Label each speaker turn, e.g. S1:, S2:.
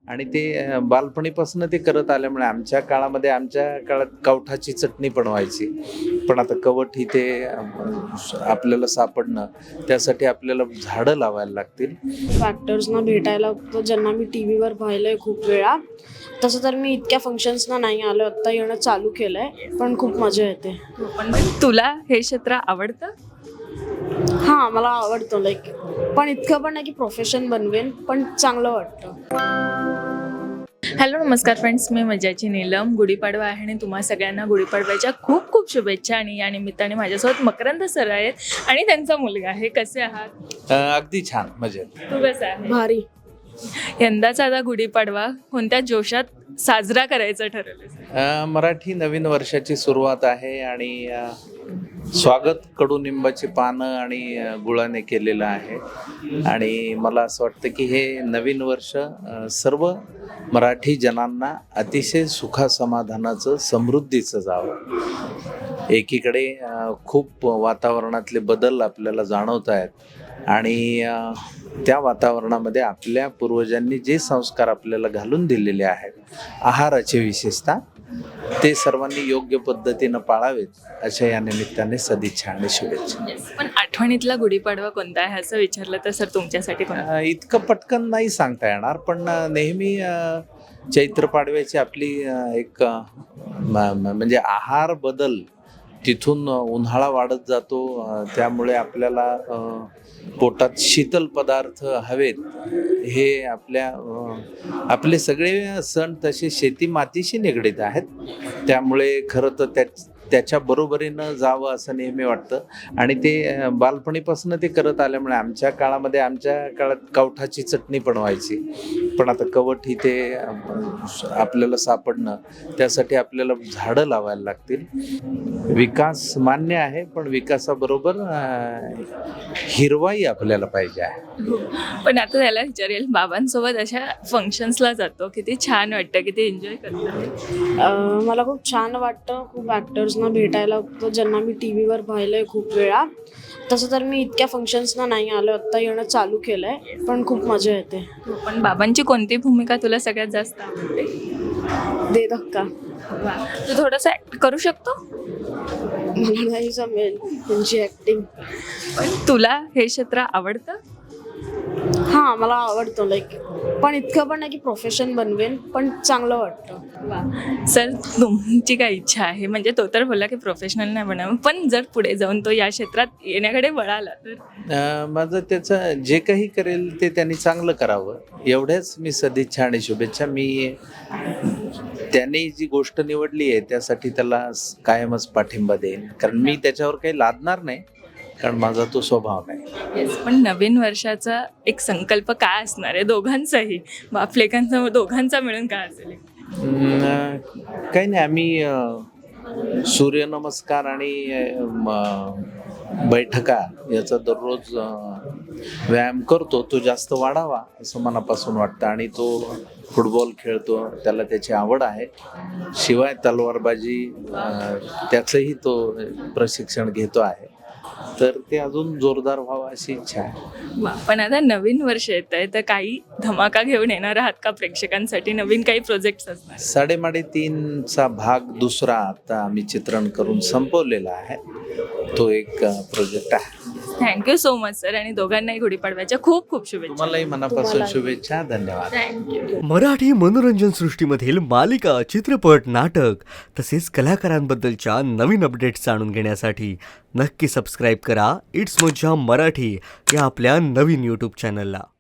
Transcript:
S1: आणि ते बालपणीपासून ते करत आल्यामुळे आमच्या काळात कवठाची चटणी पण व्हायची. पण आता कवठ ही ते आपल्याला सापडणं, त्यासाठी आपल्याला झाडं लावायला लागतील.
S2: ॲक्टर्सना भेटायला ज्यांना मी टी व्हीवर पाहिलं आहे खूप वेळा. तसं तर मी इतक्या फंक्शन्सना नाही आलो, आत्ता येणं चालू केलं आहे, पण खूप मजा येते.
S3: पण तुला हे क्षेत्र आवडतं?
S2: हां, मला आवडतं पण इतकं पण नाही की प्रोफेशन बनवेन, पण चांगलं वाटतं.
S3: हॅलो नमस्कार फ्रेंड्स, मी मजाची नीलम. गुढीपाडवा आहे आणि तुम्हा सगळ्यांना गुढीपाडव्याच्या खूप खूप शुभेच्छा. आणि या निमित्ताने माझ्यासोबत मकरंद सर आहेत आणि त्यांचा मुलगा आहे. कसे आहात?
S1: अगदी छान, मजेत.
S3: तू कसा आहे?
S2: भारी.
S3: यंदाचा आता गुढीपाडवा कोणत्या जोशात साजरा करायचा ठरवलं?
S1: मराठी नवीन वर्षाची सुरुवात आहे आणि स्वागत कडुनिंबाची पानं आणि गुळाने केलेलं आहे. आणि मला असं वाटतं की हे नवीन वर्ष सर्व मराठी जनांना अतिशय सुखासमाधानाचं, समृद्धीचं जावं. एकीकडे खूप वातावरणातले बदल आपल्याला जाणवत आहेत आणि त्या वातावरणामध्ये आपल्या पूर्वजांनी जे संस्कार आपल्याला घालून दिलेले आहेत, आहाराचे विशेषतः, ते सर्वांनी योग्य पद्धतीनं पाळावेत, अशा या निमित्ताने सदिच्छा आणि शुभेच्छा.
S3: पण आठवणीतला गुढीपाडवा कोणता आहे असं विचारलं तर सर तुमच्यासाठी कोणता?
S1: इतकं पटकन नाही सांगता येणार, पण नेहमी चैत्र पाडव्याची आपली एक म्हणजे आहार बदल, तिथून उन्हाळा वाढत जातो, त्यामुळे आपल्याला पोटात शीतल पदार्थ हवेत. हे आपले सगळे सण तसे शेती मातीशी निगडीत आहेत, त्यामुळे खरं तर त्याच्या बरोबरीनं जावं असं नेहमी वाटतं. आणि ते बालपणीपासून ते करत आल्यामुळे आमच्या काळात कवठाची चटणी पण व्हायची. पण आता कवठ ही ते आपल्याला सापडणं, त्यासाठी आपल्याला झाडं लावायला लागतील. विकास मान्य आहे, पण विकासाबरोबर हिरवाई आपल्याला पाहिजे आहे.
S3: पण आता त्याला विचारेल, बाबांसोबत अशा फंक्शन्सला जातो, किती छान वाटतं, किती एन्जॉय करतो?
S2: मला खूप छान वाटतं. खूप ॲक्टर्सना भेटायला ज्यांना मी टी व्हीवर पाहिलं आहे खूप वेळा. तसं तर मी इतक्या फंक्शन्सना नाही आलो, आत्ता येणं चालू केलं आहे, पण खूप मजा येते.
S3: पण बाबांची कोणती भूमिका तुला सगळ्यात जास्त आवडते?
S2: दे धक्का.
S3: तू थोडंसं ॲक्ट करू शकतो?
S2: मला नाही जमेल त्यांची ॲक्टिंग.
S3: पण तुला हे क्षेत्र आवडतं?
S2: हां, मला आवडतं पण इतकं पण नाही की प्रोफेशन बनवेन, पण चांगलं वाटतं.
S3: सर तुमची काय इच्छा आहे? म्हणजे तो तर बोलला की प्रोफेशनल नाही बनावं, पण जर पुढे जाऊन तो या क्षेत्रात येण्याकडे वळाला तर?
S1: माझं त्याचं जे काही करेल ते त्यांनी चांगलं करावं, एवढ्याच मी सदिच्छा आणि शुभेच्छा. मी त्याने जी गोष्ट निवडली आहे त्यासाठी त्याला कायमच पाठिंबा देईन, कारण मी त्याच्यावर काही लादणार नाही, कारण माझा तो स्वभाव नाही.
S3: पण नवीन वर्षाचा एक संकल्प काय असणार आहे दोघांचाही, बापलेकांचा दोघांचा मिळून काय असेल?
S1: काही नाही, आम्ही सूर्यनमस्कार आणि बैठका याचा दररोज व्यायाम करतो. तो जास्त वाढावा असं मनापासून वाटतं. आणि तो फुटबॉल खेळतो, त्याला त्याची आवड आहे. शिवाय तलवारबाजी त्याचंही तो प्रशिक्षण घेतो आहे, तर ते अजून जोरदार व्हावं अशी इच्छा आहे.
S3: पण आता नवीन वर्ष येत आहे, तर काही धमाका घेऊन येणार आहात का प्रेक्षकांसाठी? नवीन काही प्रोजेक्ट्स असणार?
S1: 3.5चा भाग दुसरा आता आम्ही चित्रण करून संपवलेला आहे, तो एक प्रोजेक्ट आहे.
S3: थँक्यू सो मच सर, आणि दोघांनाही गुढीपाडव्याच्या खूप खूप शुभेच्छा.
S1: तुम्हालाही मनापासून शुभेच्छा. धन्यवाद.
S3: थँक्यू.
S4: मराठी मनोरंजन सृष्टीमधील मालिका, चित्रपट, नाटक तसेच कलाकारांबद्दलच्या नवीन अपडेट्स जाणून घेण्यासाठी नक्की सबस्क्राईब करा इट्स मज्जा मराठी या आपल्या नवीन यूट्यूब चॅनलला.